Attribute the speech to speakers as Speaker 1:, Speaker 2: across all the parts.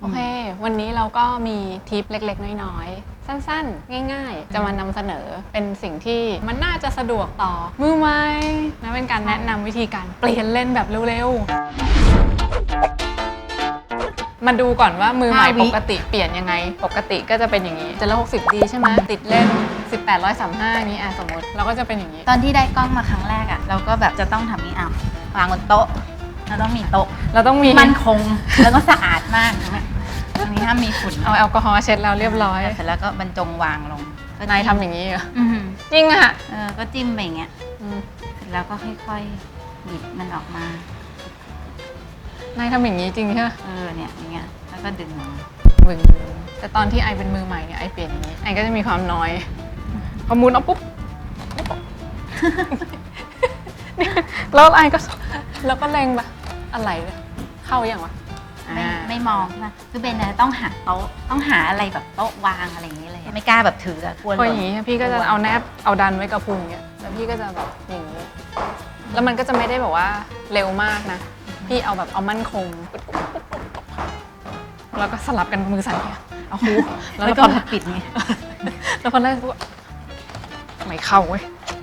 Speaker 1: อเควันนี้เราก็มีทิปเล็กๆน้อยๆสั้นๆง่ายๆจะมานำเสนอเป็นสิ่งที่มันน่าจะสะดวกต่อมือใหม่และเป็นการแนะนำวิธีการเปลี่ยนเลนแบบเร็วๆมาดูก่อนว่ามือใหม่ปกติเปลี่ยนยังไงปกติก็จะเป็นอย่างนี้760ดีใช่ไหมติดเล่น1835นี้สมมติเราก็จะเป็นอย่างนี้
Speaker 2: ตอนที่ได้กล้องมาครั้งแรกอะเราก็แบบจะต้องทำนี้วางบนโต๊ะเราต้องมีโต๊ะ
Speaker 1: เราต้องมี
Speaker 2: มั่นคงแล้วก็สะอาดมากตรงนี้ห้ามมีฝุ่น
Speaker 1: เอาแอลกอฮอล์เช็ดแล้วเรียบร้อย
Speaker 2: เสร็จแล้วก็บรรจงวางลง
Speaker 1: นายทำอย่างนี้เหรอจริงอะ
Speaker 2: ก็จิ้มไปอย่างเงี้ยเสร็จแล้วก็ค่อยๆบิดมันออกม
Speaker 1: านายทำอย่างนี้จริงใช่ไหม
Speaker 2: เนี่ยอย่างเงี้ยแล้วก็ดึง
Speaker 1: วึงแต่ตอนที่ไอเป็นมือใหม่เนี่ยไอเปลี่ยนอย่างนี้ไอก็จะมีความน้อยพอมุนเอาปุ๊บแล้วไอก็แล้วก็เล็งแบบอะไรเข้าอย่างวะ
Speaker 2: ไม่มองใช่ไหมคือเบนต้องหาโต๊ะต้องหาอะไรแบบโต๊ะวางอะไรอย่างนี้เลยไม่กล้าแบบถือกลัว
Speaker 1: อย่างนี้พี่ก็จะเอาแนบเอาดันไว้กับพุงเนี่ยแล้วพี่ก็จะแบบอย่างนี้แล้วมันก็จะไม่ได้แบบว่าเร็วมากนะพี่เอาแบบเอามั่นคงแล้วก็สลับกันมือสั่นเนี่ยเอาคู
Speaker 2: แล้วก็ปิดไง
Speaker 1: แล้วพอได้ปุ๊บไม่เข้าเว้ย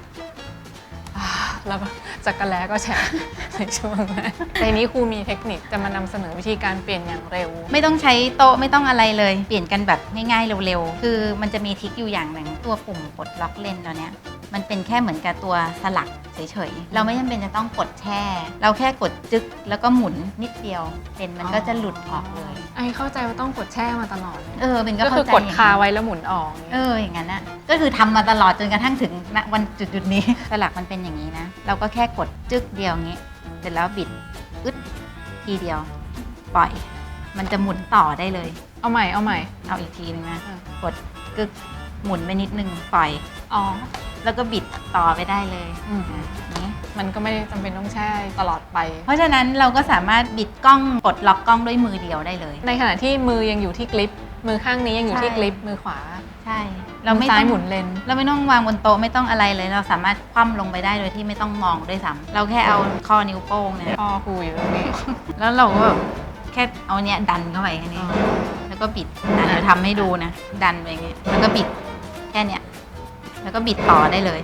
Speaker 1: แล้วก็จักรแล้ก็แฉะในช่วงนั้นในนี้ครูมีเทคนิคจะมานำเสนอวิธีการเปลี่ยนอย่างเร็ว
Speaker 2: ไม่ต้องใช้โต๊ะไม่ต้องอะไรเลยเปลี่ยนกันแบบง่ายๆเร็วๆคือมันจะมีทริคอยู่อย่างหนึ่งตัวปุ่มปลดล็อกเลนเราเนี่ยมันเป็นแค่เหมือนกับตัวสลักเฉยๆเราไม่จำเป็นจะต้องกดแช่เราแค่กดจึ๊กแล้วก็หมุนนิดเดียวเลนมันก็จะหลุดออกเลย
Speaker 1: ไอเข้าใจว่าต้องกดแช่มาตลอดเลย
Speaker 2: เป็น
Speaker 1: ก็คือกดคาไว้แล้วหมุนออก
Speaker 2: อย่างนั้นนะก็คือทำมาตลอดจนกระทั่งถึงวันจุดๆนี้สลักมันเป็นอย่างนี้นะเราก็แค่กดจึ๊กเดียวงี้เสร็จแล้วบิดอึดทีเดียวปล่อยมันจะหมุนต่อได้เลย
Speaker 1: เอาใหม่
Speaker 2: เอาอีกทีนึงนะกดกึกหมุนไปนิดนึงปล่อยแล้วก็บิดต่อไปได้เลย
Speaker 1: นี่มันก็ไม่จำเป็นต้องแช่ตลอดไป
Speaker 2: เพราะฉะนั้นเราก็สามารถบิดกล้องกดล็อกกล้องด้วยมือเดียวได้เลย
Speaker 1: ในขณะที่มือยังอยู่ที่กริปมือข้างนี้ยังอยู่ที่กริปมือขวา
Speaker 2: ใช่
Speaker 1: เราไม่ซ้ายหมุนเลน
Speaker 2: เราไม่ต้องวางบนโต๊ะไม่ต้องอะไรเลยเราสามารถคว่ำลงไปได้โดยที่ไม่ต้องมองด้วยซ้ำเราแค่เอาข้อนิ้วโป้งเนี่ย
Speaker 1: ข้อครูอยู่ตรงนี้
Speaker 2: แล้วเราก็แค่เอาเนี้ยดันเข้าไปแค่นี้แล้วก็บิดเดี๋ยวทำให้ดูนะดันไปอย่างเงี้ยแล้วก็บิดแค่เนี้ยแล้วก็บิดต่อได้เลย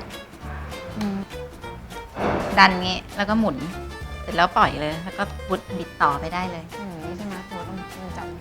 Speaker 2: ดันงี้แล้วก็หมุนเสร็จแล้วปล่อยเลยแล้วก็บิดต่อไปได้เลย
Speaker 1: นี่ใช่ไหมเราต้องจำ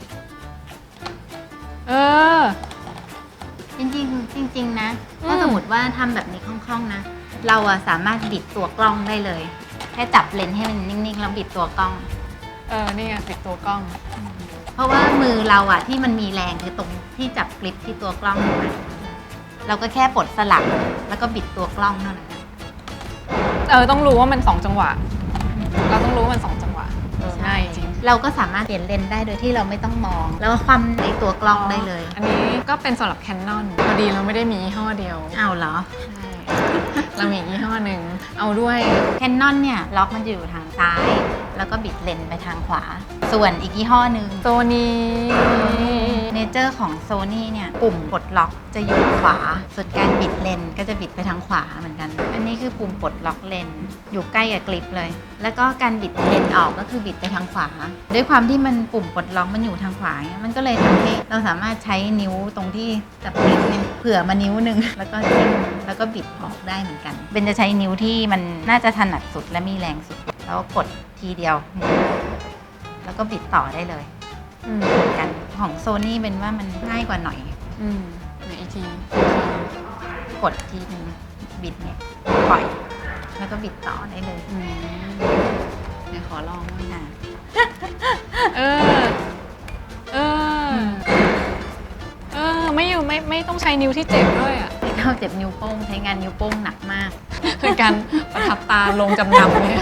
Speaker 2: จริงนะถ้าสมมติว่าทำแบบนี้คล่องๆนะเราสามารถบิดตัวกล้องได้เลยแค่จับเลนส์ให้มันนิ่งๆแล้วบิดตัวกล้อง
Speaker 1: นี่ไงบิดตัวกล้อง
Speaker 2: เพราะว่ามือเราที่มันมีแรงคือตรงที่จับกริปที่ตัวกล้องถูกไหมเราก็แค่ปลดสลักแล้วก็บิดตัวกล้องเท่านั้น
Speaker 1: ต้องรู้ว่ามัน2จังหวะเราต้องรู้ว่ามัน2จังหวะง่ายจริง
Speaker 2: เราก็สามารถเปลี่ยนเลนได้โดยที่เราไม่ต้องมองแล้วก็คว่ำในตัวกล้องได้เลย
Speaker 1: อันนี้ก็เป็นสำหรับ Canon พอดีเราไม่ได้มียี่ห้อเดียว
Speaker 2: เหรอ
Speaker 1: ใช่เรามียี่ห้อหนึ่งเอาด้วย
Speaker 2: Canon เนี่ยล็อกมันจะอยู่ทางซ้ายแล้วก็บิดเลนไปทางขวาส่วนอีกยี่ห้อหนึ่ง
Speaker 1: Sony
Speaker 2: เนเจอร์ของ Sony เนี่ยปุ่มปลดล็อกจะอยู่ขวาส่วนการบิดเลนก็จะบิดไปทางขวาเหมือนกันอันนี้คือปุ่มปลดล็อกเลนอยู่ใกล้กับกริปเลยแล้วก็การบิดเลนออกก็คือบิดไปทางขวาด้วยความที่มันปุ่มปลดล็อกมันอยู่ทางขวาเนี่ยมันก็เลยทำให้เราสามารถใช้นิ้วตรงที่จับกริปเนี่ยเผื่อมานิ้วนึงแล้วก็จิ้มแล้วก็บิดออกได้เหมือนกันเบนจะใช้นิ้วที่มันน่าจะถนัดสุดและมีแรงสุดแล้วกดทีเดียวแล้วก็บิดต่อได้เลยเหมือนกันของโซนี่เป็นว่ามันง่ายกว่าหน่อย
Speaker 1: อีกที
Speaker 2: กดทีนึงบิดเนี่ยปล่อยแล้วก็บิดต่อได้เลย
Speaker 1: เดี๋ยวขอลองบ้างนะไม่ต้องใช้นิ้วที่เจ็บด้วย
Speaker 2: ไม่ต้องเจ็บนิ้วโป้งใช้งานนิ้วโป้งหนักมาก
Speaker 1: คือการประทับตาลงจำนำเนี่ย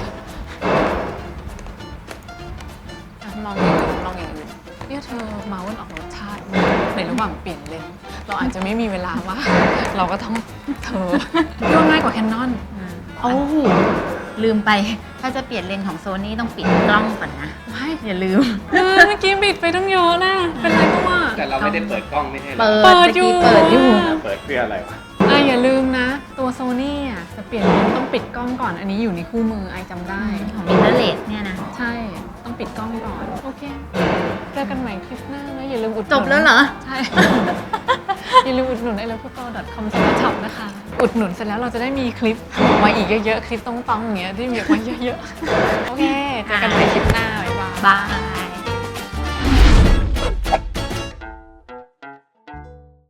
Speaker 1: ลองอย่างอื่นเนี่ยเธอเมาส์ออกรสชาติในระหว่างเปลี่ยนเลนเราอาจจะไม่มีเวลาว่าเราก็ต้องย่อง่ายกว่า Canon
Speaker 2: ลืมไปถ้าจะเปลี่ยนเลนของโซนี่ต้องปิดกล้องก่อนนะ
Speaker 1: ไม่
Speaker 2: อย่าลืม
Speaker 1: เมื่อกี้บิดไปต้องเยอะนะเป็นไรก็ว่า
Speaker 3: แต่เราไม่ได้เปิดกล้องไม่ใช่
Speaker 1: เปิดอยู่
Speaker 3: เปิดเพื่ออะไรวะ
Speaker 1: อย่าลืมนะตัวโซนี่จะเปลี่ยนเลนต้องปิดกล้องก่อนอันนี้อยู่ในคู่มือไอจำได้
Speaker 2: ของมิเรอร์เลสเนี่ยนะ
Speaker 1: ใช่ต้องปิดกล้องก่อน โอเค เจอกันใหม่คลิปหน้านะอย่าลืมอุดหนุน
Speaker 2: จบแล้วเหรอ
Speaker 1: ใช่ อย่าลืมอุดหนุนilovephoto.com/shop นะคะ อุดหนุนเสร็จแล้วเราจะได้มีคลิปออกมาอีกเยอะๆ คลิปต้องๆอย่างเงี้ยที่มีออกมาเยอะๆ โอเค เจอกันใหม่คลิปหน้า บ๊ายบาย
Speaker 2: บาย